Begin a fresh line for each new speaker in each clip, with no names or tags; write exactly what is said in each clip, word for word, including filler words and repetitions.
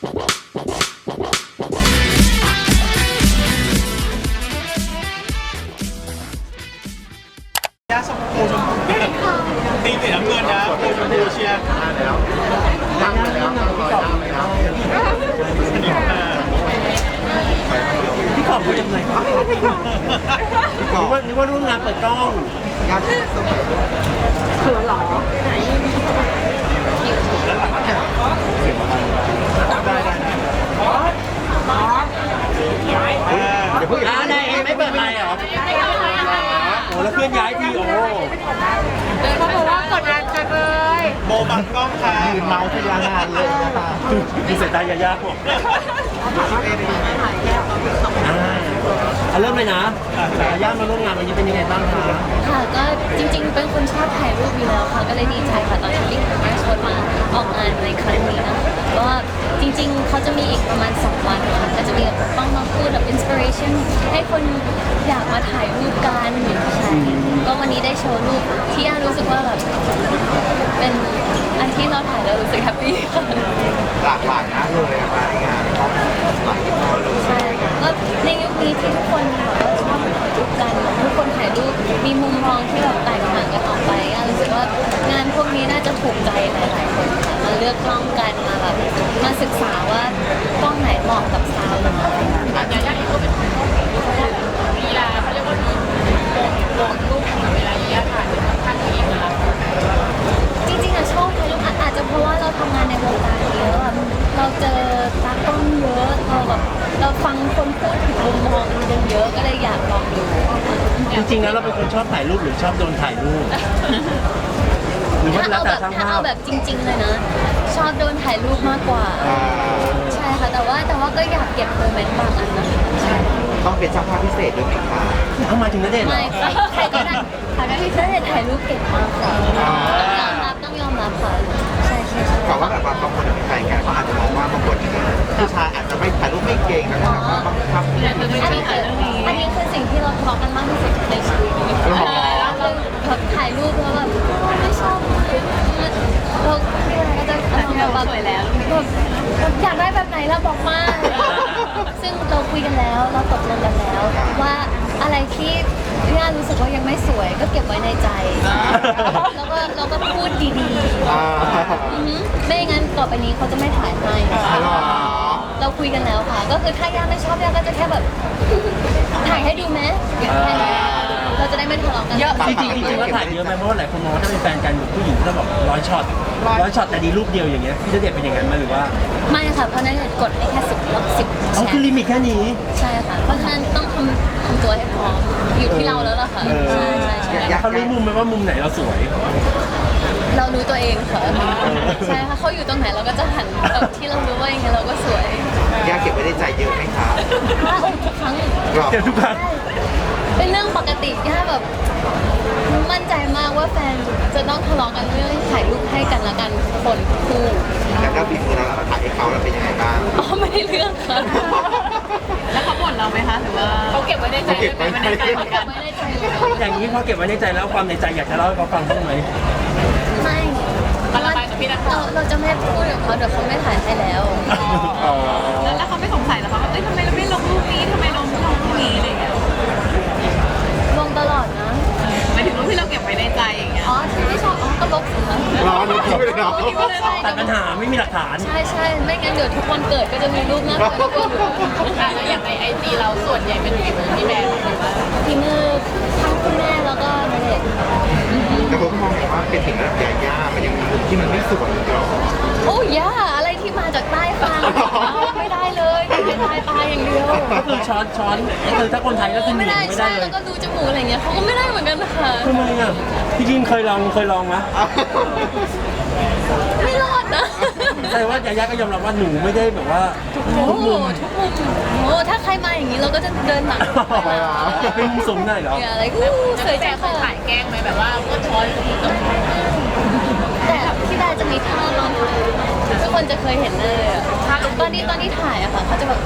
ยาชมพูชมพูตีสีน้ำเงินนะโอชมพูเชียร์แล้วตั้งไปแล้วตั้งร้อยตั้งไปแล้วพี่ขอบคุณจังเลยนึกว่านึกว่าร่วมงานเปิดกล้องงานเขินหรอได้ได้เดี๋ยวเพิ่งอ่าได้ไม่เปิดไมค์เหรอโอ้แล้วเพื่อนย้ายทีโอ้
เขาบอกว่ากดงานจังเลย
โบบังกล้องค่ะยืนเมาที่ร้านงานเลยนะคะดูสายตายายาผมอ่าเริ่มเลยนะยายามาร่วมงานวันนี้เป็นยังไงบ้างคะ
ค่ะก็จริงๆเป็นคนชอบถ่ายรูปอยู่แล้วค่ะก็เลยดีใจค่ะตอนที่ลิงก์มาชวนมาออกงานในครั้งนี้นะคะก็จริงๆเขาจะมีอีกประมาณสองวันค่ะก็จะมีแบบต้องมาพูดแบบอินสปิเรชันให้คนอยากมาถ่ายรูปกันใช่ก็วันนี้ได้โชว์รูปที่อารู้สึกว่าแบบเป็นอันที่เราถ่ายแล้วรู้สึกแฮปปี้ค่ะ
หลากหลายนะเลยมางานหลายที่เลย
ใช่ก็ในยุคนี้ที่ทุกคนแบบว่าชอบถ่ายรูปกันทุกคนถ่ายรูปมีมุมมองที่แบบแตกต่างกันออกไปอารู้สึกว่างานพวกนี้น่าจะถูกใจหลายๆคนค่ะมาเลือกกล้องกันมาแบบมาศึกษาว่ากล้องไหนเหมาะกับสาวเรา
อย่างอย่างที่เขาเป็นลีลาเขาเรียกว่าโดนโดนรูปเวลาเยอะถ่ายเป็นข้างๆตัวเองนะคะ
จริงๆอะชอบถ่ายรูปอาจจะเพราะว่าเราทำงานในวงการเยอะเราเจอตากล้องเยอะเราแบบเราฟังคนพูดถึงมุมมองกันเยอะก็เลยอยากลองดู
จริงๆแล้วเราเป็นคนชอบถ่ายรูปหรือชอบโดนถ่ายรูปหรือว่าแล้วแต่ช่างภาพถ้า
เอาแบบจริงๆเลยนะชอบโดนถ่ายรูปมากกว่าใช่ค่ะแต่ว่าแต่ว่าก็อยากเก็บโมเมนต์บางอันนะคะ
ต้องเป็นช่างภาพพิเศษด้วยไหมคะเอามาถึงนั่นเอง
ไม่ใครก็ได้ใครก็ได้ถ่ายรูปเก่งมากค่ะต้องยอมรับต้องยอมรับค่ะใช่ใช่
บอกว่าแบบว่าบางคนเป็นแฟนกันเขาอาจจะมองว่าบางคนผู้ชายอาจจะไม่ถ่ายรูปไม่เก่งแล้วก็แบบว่าบังคับ
อันนี้อันนี้คือสิ่งที่เราทะเลาะกันมากที่สุดในชีวิตเราแบบถ่ายรูปแล้วแบบไม่ชอบเราก็จะเราแบบสวยแล้วอยากได้แบบไหนเราบอกมาซึ่งเราคุยกันแล้วเราตกลงกันแล้วว่าอะไรที่ย่ารู้สึกว่ายังไม่สวยก็เก็บไว้ในใจแล้วก็เราก็พูดดีๆไม่งั้นต่อไปนี้เขาจะไม่ถ่ายให้เราคุยกันแล้วค่ะก็คือถ้าย่าไม่ชอบย่าก็จะแค่แบบถ่ายให้ดูไหมแค่นี้เราจะได้ไม่ทะเลาะกัน
เยอะจริงจริงๆว่าถ่ายเยอะไหมเพราะว่าหลายคนมองว่าถ้าเป็นแฟนกันผู้หญิงก็บอกร้อยช็อตร้อยช็อตแต่ดีรูปเดียวอย่างเงี้ยพี่ณเดชน์เป็นอย่างนั้นไหมหรือว่า
ไม่ค่ะเพราะนั้นกดให้แค่สิบลบสิบ
อ๋อคือลิมิตแค่นี้
ใช่ค่ะเพราะฉะนั้นต้องทำทำตัวให้พร้อมอยู่ที่เราแล้วล่ะค่ะใช่ใช่ใช่
เขารู้มุมไหมว่ามุมไหนเราสวย
เรารู้ตัวเองค่ะใช่ค่ะเขาอยู่ตรงไหนเราก็จะหันแบบที่เรารู้ว่าอย่างเงี้ยเราก็สวย
ยาเก็บไว้ในใจเยอะไหมคะ
ทุกครั้ง
เก็บทุกครั้ง
เป็นเรื่องปกติย่าแบบมั่นใจมากว่าแฟนจะต้องทะเลาะกันเรื่องถ่ายรูปให้กันละกันคนคู่
แล้วก็ปีมือเราถ่ายให้เขาแล้วเป็นยังไงบ้าง
อ๋อไม่ได้เรื่องค่ะ
แล้วเขาบ่นเราไหมคะหรือว่าเขาเก็บไว้ในใจเก็บไว้ในใจเหมือนกัน
อย่างนี้พอเก็บไว้ในใจแล้วความในใจอยากจะเล่าให้เขาฟังบ้างไหม
ไม่
มันระบายกับพี่นักข่าว
เราจะไม่พูดกับเขาเดี๋ยวเขาไม่ถ่ายให้แล้ว
แล้วเขาไม่สงสัยหรอคะว่าเอ้ยทำไมเราไม่ลงรูปนี้ทำไมลงรูปนี้อะไรอย่างเงี้ย
ลงตลอดนะ
หมายถึงรูปที่เราเก็บไว้ในใจอย่างเงี้ย
อ๋อที่ไม่ชอบอ๋อก็ลบสิคะ
รอดูคิดไปเลยเนาะแต่ปัญหาไม่มีหลักฐาน
ใช่ใช่ไม่งั้นเดี๋ยวทุกวันเกิดก็จะมีรูปหน้าเกิดก็อยู่
แล้วอย่างในไอจีเราส่วนใหญ่เป็นฝีมือพี่แบร์หรือว่า
ฝีมือทั้งคุณแม่แล้วก็ณเดชน์
แต่ผมมองว่าเป็นสิ่งระดับยาๆมันยังมีมุมที่มันไม่สวยอีกหรอ
โอ้ย่าอะไรที่มาจากใต้ฟ้าไม่ได้เลยไม่ได้ตายอย่างเดียว
ก็คือช้อนช้อนก็คือถ้าคนไทยก็คือ
ไม่ได้ใช่แล้วก็ดูจมูกอะไรเงี้ยเขาก็ไม่ได้เหมือนกันค่ะ
ทำไมอ่ะพี่จินเคยลองเคยลองไหม
ไม่รอดนะ
แต่ว่ายาย่าก็ยอมรับว่าหนูไม่ได้แบบว่า
ทุกมุมทุกมุมโอ้ถ้าใครมาอย่างนี้เราก็จะเดินหลัง
เป็นมุมสูงหน่อยเหรอ
อะไรกู
เคยจะถ่ายแกล้งไหมแบบว่าก็ช้อน
แต่พี่ดาจะมีท่าลองทุกคนจะเคยเห็นเลยอ่ะตอนนี้ตอนที่ถ่ายอะค่ะเขาจะแบบ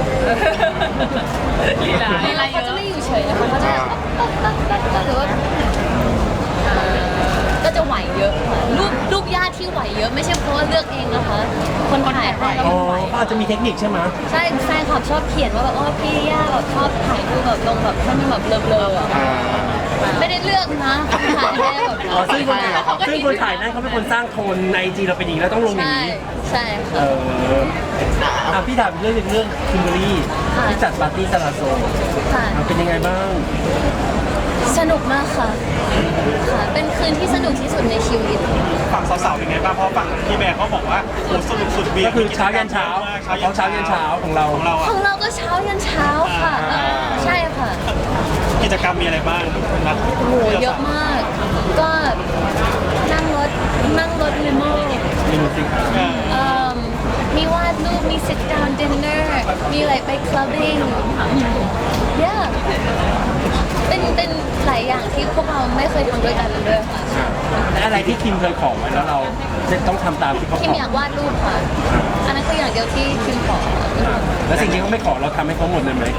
ลีลาลีลา
เขาจะไม่อยู่เฉยนะคะเขาจะหรือว่าก็จะไหวเยอะค่ะลูกลูกญาติที่ไหวเยอะไม่ใช่เพราะว่าเลือกเองนะคะ คนถ่ายให้ก็
อ๋อ
ไหว
ก็อาจจะมีเทคนิคใช่ไหม
ใช่แฟนคลับชอบเขียนว่าแบบโอ้พี่ย่าแบบชอบถ่ายรูปแบบลงแบบให้มันแบบเบลอๆอะไม่ได้เลือกนะถ่ายให้แบบ
อ๋อซึ่งคนซึ่งคนถ่ายนั้นเขาเป็นคนสร้างโทนในไอจีเราเป็นอย่างนี้แล้วต้องลงอย่าง
ใช่
นี้
ใช่
เอ
ค่ะ
ออ่ะพี่ถามเรื่องหนึ่งเรื่องคิมเบอรี่
ค่ะ
ที่จัดปาร์ตี้ซาลาโซ
ค่ะ
อ่ะเป็นยังไงบ้าง
สนุกมากค่ะค่ะ เป็นคืนที่สนุกที่สุดในชีวิต
ฝั่งสาวๆเป็นไงบ้างเพราะฝั่งพี่แบร์เขาบอกว่าโอ้สนุกสุดเบีย
ก็คือเช้ายันเช้า
เช้า
เขาเช้ายันเช้าของเรา
ของเรา
ข
อะ
องเราก็เช้ายันเช้าค่ะ
อ่า
ใช่ค่ะ
กิจกรรมมีอะไรบ้างนะ
โอ้โหเยอะมาก ก็นั่งรถนั่งรถลิโม่
มีมิวสิก
เออ
เอิ่มมีวาดรูปมี sit down dinner มีอะไรไป clubbing yeah เป็นเป็นหลายอย่างที่พวกเราไม่เคยทำด้วยกันเลยค่ะ
และอะไรที่คิมเคยขอไว้แล้วเราจะต้องทำตามที่เขา
คิ
ข
ม
อ
อยากวาดรูปค่ะ อันนั้นคืออย่างเดียวที่คิมขอ
แล้วสิ่งที่เขาไม่ขอเราทำให้เขาหมดเลยไหม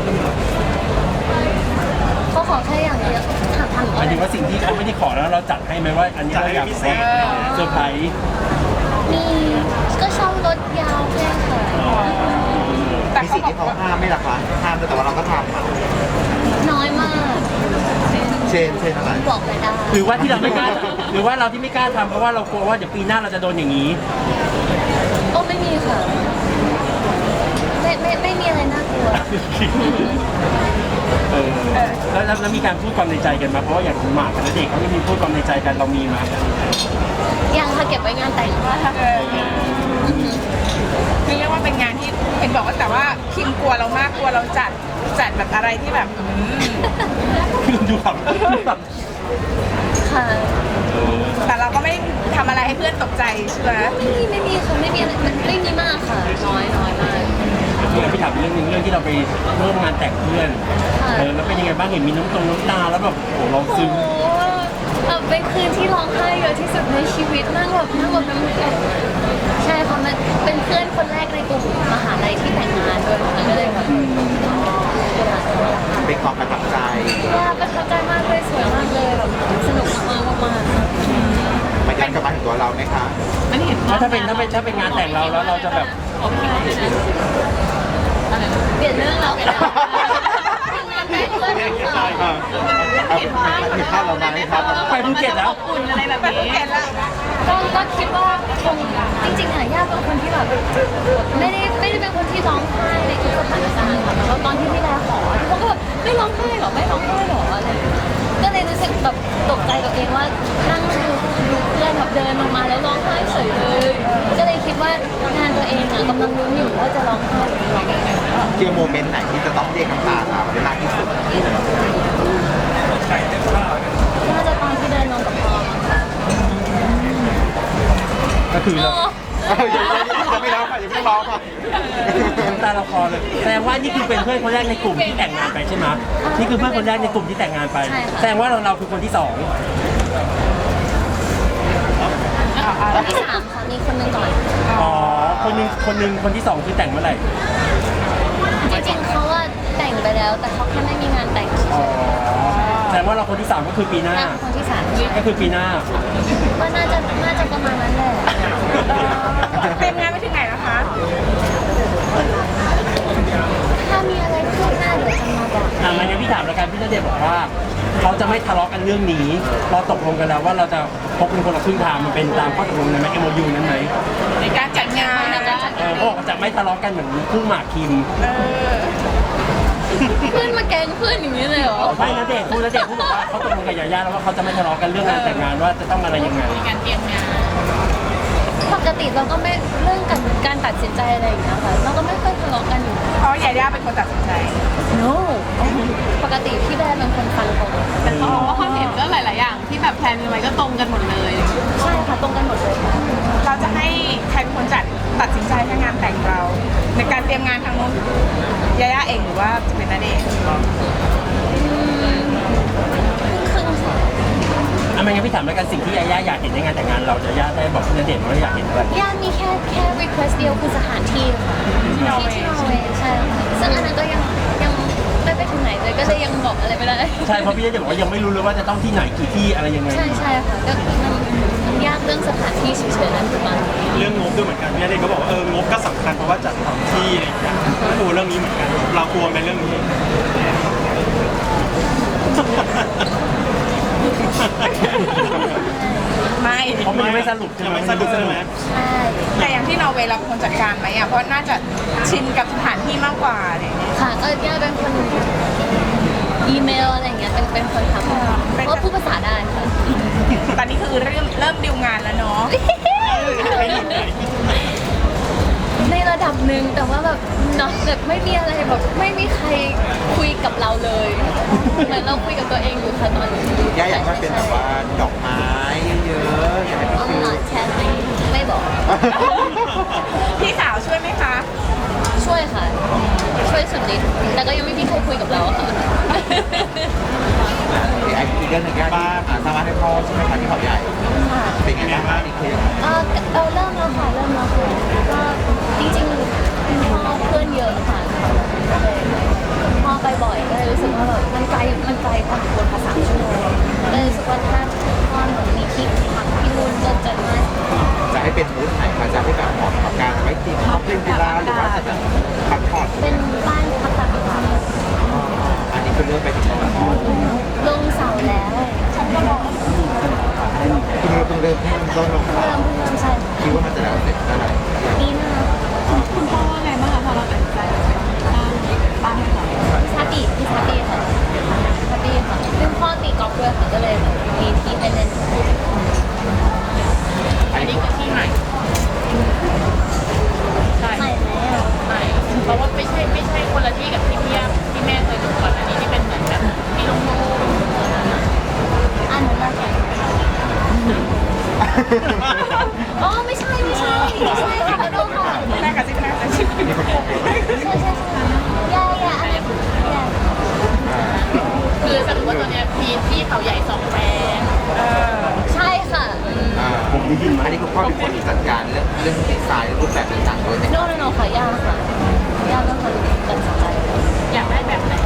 เขาขอแค่อย่างเดียวถามถาม
หมายถึงว่าสิ่งที่เขาไม่ได้ขอแล้วเราจัดให้ไหมว่า อันนี้เราอยากขอเซอร์ไพรส์
มีก็ชอบรถยาวแค่ค่ะ
มีสิ่งที่เขาห้ามไหม่ล่ะคะห้ามแต่ว่าเราก็ทำอะ
น้อยมาก
เชนเชนอะไร
บอกไม่ได้
หรือว่าที่เราไม่กล้าหรือว่าเราที่ไม่กล้าทำเพราะว่าเรากลัวว่าเดี๋ยวปีหน้าเราจะโดนอย่างนี้
โอ้ไม่มีค่ะ ไม่ไม่ไม่มีอะไรน่ากลัว
เออแล้วแล้วแล้วมีการพูดความในใจกันไหมาเพราะว่าอย่างหมากกับณเด็กเขาไม่มีพูดความในใจกันเรามีไหม
ยังค่ะเก็บไว้งานแต่งค่ะ
คือเรียกว่าเป็นงานที่เห็นบอกว่าแต่ว่าคิมกลัวเรามากกลัวเราจัดจัดแบบอะไรที่แบบอืม
ดูแบบดูแบบ
ค่ะ
แต่เราก็ไม่ทำอะไรให้เพื่อนตกใจใช่ไหม
ไม่มีไม่มีค่ะไม่มีอะไรไม่มีมากค่ะ น้อยน้อยมาก
เมื่อพี่ถามเรื่องหนึงเรื่องที่เราไปร่วมงานแต่งเพื่อน
ค่ะ
เออแล้วเป็นยังไงบ้างเห็นมีน้ำตรงน้ำตาแล้วแบบโอ้โหเรา
โอ้
ซึ้ง
โหแบบเป็นคืนที่ร้องไห้เยอะที่สุดในชีวิตนั่งแบบนั่งแบบน้ำตาใช่ค่ะมันเป็นเพื่อนคนแรกในกลุ่มมหาลัยที่แต่งงานด้วยค่ะก็เลยแบบ
เป็นความประทับใจ
ว่าประทับใจมากเลยสวยมากเลยแบบสนุกมากๆมาก
มันย้อนกลับมาถึงตัวเราไหมคะ
มันเห็น
แล้วถ้าเป็นถ้าเป็นถ้าเป็นงานแต่งเราแล้วเราจะแบบ
ๆเปลี่ยนเรื่องแล้วกันนะงานแต่งเพื่อนค่ะ
เห็นภาพเห็นภาพเราไหมครับ
ไปภูเก็ตแล้ว
อุ่นอะไรแบบนี้เห็นแล้ว
ก็ก็คิดว่าคงจริงๆอ่ะย่าเป็นคนที่แบบไม่ได้ไม่ได้เป็นคนที่ร้องไห้ในทุกสถานการณ์ค่ะแล้วตอนที่พี่แดขอที่เขาก็แบบไม่ร้องไห้หรอไม่ร้องไห้หรออะไรก็เลยรู้สึกแบบตกใจกับเองว่านั่งดูดูเพื่อนแบบเดินลงมาแล้วร้องไห้เฉยเลย ก็เลยคิดว่างานตัวเองอ่ะกำลังลุ้นอยู่ว่าจะร้องไห้หรือไม่ร้องไห้
เกี่ยวโมเมนต์ไหนที่จะต้องเรียกน้ำตาเราได้มากที่สุด
น่าจะตอนที่เดินลงกับพอมอะค่ะ
ก็คือเรา
เออยังยังไม่ร้องค่ะยังไม่ร้องค่ะ
น้ำตาเราคลอเลยแสดงว่านี่คือเป็นเพื่อนคนแรกในกลุ่มที่แต่งงานไปใช่ไหมนี่คือเพื่อนคนแรกในกลุ่มที่แต่งงานไปแสดงว่าเราเราคือคนที่สอง
คนที่สามค่ะมีคนหนึงก่อน
อ๋อคนหนึงคนหนึงคนที่สองคือแต่งเมื่อไหร่
จริงๆเขาว่าแต่งไปแล้ว แต่เขาแค่ไม่มีงานแต่งเฉ
อ๋อย แสดงว่าเราคนที่สามก็คือปีห
ๆ
น้า
งานคนที่สาม
ก็คือปีหน้า
ก็น่าจะน่าจะประมาณนั้นแหละ
เตรียมงานไปถึงไหนแล้วคะ
ถ้ามีอะไรคืบหน้าเดี๋ยวจะมาบอก
อ่ะงั้นพี่ถามแล้วกันพี่ณเดชน์บอกว่าเขาจะไม่ทะเลาะกันเรื่องนี้เราตกลงกันแล้วว่าเราจะพบกันคนละครึ่งทางมันเป็นตามข้อตกลงนั้นไหม เอ็ม โอ ยู นั้นไหม
ในการจัดงาน
ในการจัดาน
เองอเขาบอกว่าจะไม่ทะเลาะกันเหมือนคู่หมากคิม
เออ
เพื่อนมาแกล้งเพื่อนอย่างนี้เลยเหรอ
ไม่ณเดชน์พูดณเดชน์พูดบอกว่าเขาตกลงกับยาย่าแล้วว่าเขาจะไม่ทะเลาะกันเรื่องงานแต่งงานว่าจะต้องอะไรยังไง
มีการเตรียมงาน
ปกติเราก็ไม่เรื่องการการตัดสินใจอะไรอย่างเงี้ยค่ะเราก็ไม่ค่อยทะเลาะกันอยู่
เพราะยาย่าเป็นคนตัดสินใจ
no ปกติพี่แดนเป็นคนฟังตรง
แต่เขาบอกว่าความเห็นก็หลาย ๆ อย่างที่แบบแพลนกันไว้ก็ตรงกันหมดเลย
ใช่ค่ะตรงกันหมดเลยค่ะ
เราจะให้ใครเป็นคนจัดตัดสินใจให้งานแต่งเรา ในการเตรียมงานทางโน้นยาย่าเองหรือว่าจะเป็นนาเดชน์
ครึ่งๆค่ะ
อ่ะไม่งั้นพี่ถามแล้วกันสิ่งที่ยาย่าอยากเห็นในงานแต่งงานเรายาย่าได้บอกพี่ณเดชน์ว่าอยากเห็นอะไร
ย่ามีแค่แค่ request เดียวคือสถานที่ค่ะที่ที่นอร์เวย์ใช่ค่ะซึ่งอันนั้นก็ยังยังไม่ไปถึงไหนนเลยก็เลยยังบอกอะไรไม่ได้
ใช่เพราะพี่ณเดชน์บอกว่ายังไม่รู้เลยว่าจะต้องที่ไหนกี่ที่อะไรยังไง
ใช่ใช่ค่ะก็มันมันยากเรื่องสถานที่เฉยๆนั่นคือมัน
เรื่องงบด้วยเหมือนกันพี่ณเดชน์ก็บอกว่าเอองบก็สำคัญเพราะว่าจัดสถานที่อะไรอย่างเงี้ยก็กลัวเรื่องนี้เหมือนกัน เรากลัวไหมเรื่องนี้
ไม่
เพราะมันยังไม่สรุปใช่ไหม
ยังไม่สรุปใช่ไหม
ใช่
แต่อย่างที่นอร์เวย์เราเป็นคนจัดการไหมอ่ะ เพราะน่าจะชินกับสถานที่มากกว่าอะไรอย่างเงี้ย
ค่ะก็ย่าเป็นคนอีเมลอะไรอย่างเงี้ยเป็นเป็นคนทำเพราะว่าพูดภาษาได้ค่ะ
ตอนนี้คือเริ่มเริ่มดิวงานแล้วเนาะ
ในระดับหนึ่งแต่ว่าแบบเนาะแบบไม่มีอะไรแบบไม่มีใครคุยกับเราเลยเหมือนเราคุยกับตัวเองอยู่ค่ะตอนนี้
ย่าอยากให้เป็นแบบว่าดอกไม้เยอะๆอยากให้เป็น
อ๋อ
ฟิล
แชทไม่ไม่บอก
พี่สาวช่วยไหมคะ
ช่วยค่ะ ช่วยสุดฤทธิ์แต่ก็ยังไม่มีใครคุยกับเราค่ะ
อีกเรื่องหนึ่งย่าที่อ่าสามารถให้พ่อใช่ไหมคะที่เขาใหญ่ เป็นไงบ้างนี่คือ
เออเราเริ่มแล้วค่ะเริ่มแล้วค่ะก็จริงๆคุณพ่อเพื่อนเยอะค่ะก็เลยพ่อไปบ่อยก็เลยรู้สึกว่าแบบมันไกลมันไกลพอสมควรภาษาชั่วโมงก็เลยรู้สึกว่าถ้าพ่อหนูมีที่พักที่นู่นก็จะง่าย
จะให้เป็นมูดไหนคะจะให้แบบเหมาะกับการไว้กินข้าวเล่นกีฬาหรือว่าจะแบบพักผ่อน
เป็นบ้านพักตากอากาศ
อันนี้คือเริ่มไปถึงตรงนั้น
ลงเสาแล้ว
คือเพิ่งเริ่มให้มันต้นลง
เพิ่งเริ่มเพิ่งเริ่มใช่ค่ะ
คิดว่ามันจะแล้วเสร็จเมื่อไหร่
ปีหน้า
คุณพ่อว่าไงบ้างคะพอเราตัดสินใจบ้านให้เขา
ชาติพี่ชาติค่ะชาติค่ะซึ่งพ่อตีกอล์ฟด้วยค่ะก็เลยแบบมีที่ให้เล่น
อันนี้คือที่ใหม่ใช่
ใช่แล้ว
ใหม่เพราะว่าไม่ใช่ไม่ใช่คนละที่กับที่พี่ย่าที่แม่เคยดูก่อนอันนี้ที่เป็นเหมือนแบบที่โล่ง
อันนั้นนะคะอ๋อไม่ใช่ไม่ใช่ไม่ใช่ค่ะขอโทษค่ะ
แม่กระซิบแม่กระซิบ
มีคนบอกเลย
ใช่ใช่ใช่ยาอยาอันนี้ยา
ๆคือสรุปว่าตัวเนี้ยมีที่เขาใหญ่สองแปลง
ใช่ค่ะ
อ่าผมได้ยินมาอันนี้คุณพ่อเป็นคนจัดการเรื่องเรื่องดีไซน์รูปแบบต่างๆโดยใน
โน่นโน่ค่ะยาค่ะยาเป็นคนตัดสินใจ
อยากได้แบบไหน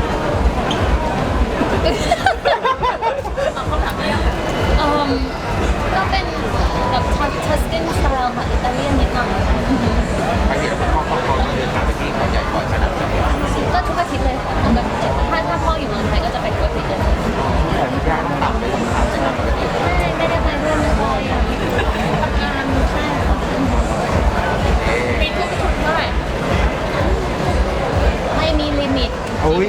เอาเขาถามเลย
เอ่อก็เป็นแบบทัสตินสไตล์ค่ะอิตาเลียนนิดหน่อย
ไปเห็นคุณพ่อเขาเขาเดินทางไปที่เขาใหญ่บ่อยขนาดไหน
ก็ทุกอาทิตย์เลยค่ะปกติถ้าถ้าพ่ออยู่เมืองไทยก็จะไปทุกอาทิตย์เลย
ขออนุญาตต่ำไปสำคัญนะครับปกติ
ไม่ไม่ได้ไปเรื่องไม่ได้ทำงานใช่ค่ะ
มีทุกชุดเท่าไหร่
ไม่มีลิมิต
โอ้ย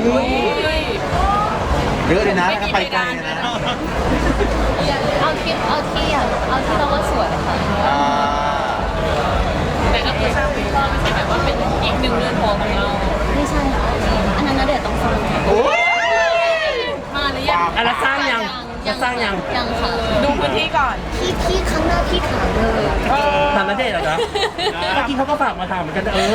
เยอะเลยนะถ้าไปไกลเลยนะ
เอาที่เอาที่อ่ะเอาที่เราว่าสวยค่ะ
อ่า
แต่ก็คือสร้างเป็นก็ไม่ใช่แบบว่าเป็นอีกหนึ่งเรือนหอของเรา
ไม่ใช่ค่ะอันนั้นนะเดี๋ยวต้องฟัง
โอ้ย
มาหรือยัง
อ่ะแล้วสร้างยังจะสร้างยัง
ยังค่ะ
ดูพื้นที่ก่อน
พี่พี่ครั้งหน้าพี่ถามเลย
ถามณเดชน์เหรอจ๊ะเมื่อกี้เขาก็ฝากมาถามเหมือนกันเออ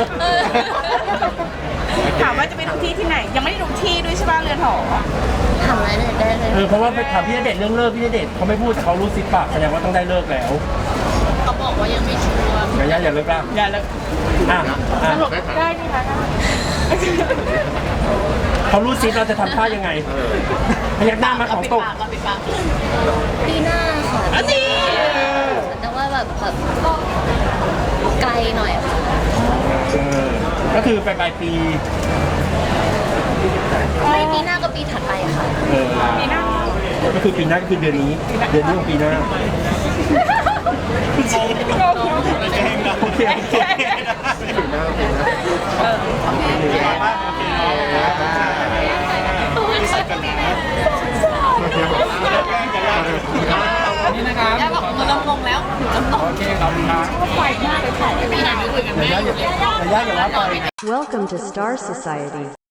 ถามว่าจะไปดูที่ที่ไหน ยังไม่ได้ดูที่ด้วยใช่ป่ะเรือนหอ
ถามอะไรเลยได้เลย
เออเพราะว่าไปถามพี่ณเดชน์เรื่องเลิกพี่ณเดชน์เขาไม่พูดแต่เขารู้สิบปากแสดงว่าต้องได้เลิกแล้ว
เขาบอกว่ายังไม่ชัวร์
อย่าอย่าอย่าเลิกล่ะ
อย่าเลย
อ่ะอ่ะ
สรุปได้ไหมคะ
เขารู้สิเราจะทำท่ายังไงพยักหน้ามาของ
ปิด
ตก
ปากก็ปิดปาก
ปีหน้าค่ะ
อันนี้
แต่ว่าแบบแบบไกลหน่อยค่ะ
เออก็คือไปปลายปี
ไม่ปีหน้าก็ปีถัดไปค่ะ
เออ
ปีหน้า
ก็คือปีหน้าก็คือเดือนนี้ เดือนนี้ของปีหน้า
เองนะ
โอเคโอเค
ที่สุดกันนะนี่นะครับ
ย่าบอกหนูลำงงแล้วหนูลำงง
โอเคขอบคุณครับ
ปีหน้าคุยกันแม่
อย่าอย่าอย่าอย่าว่าไป
Welcome to Star Society.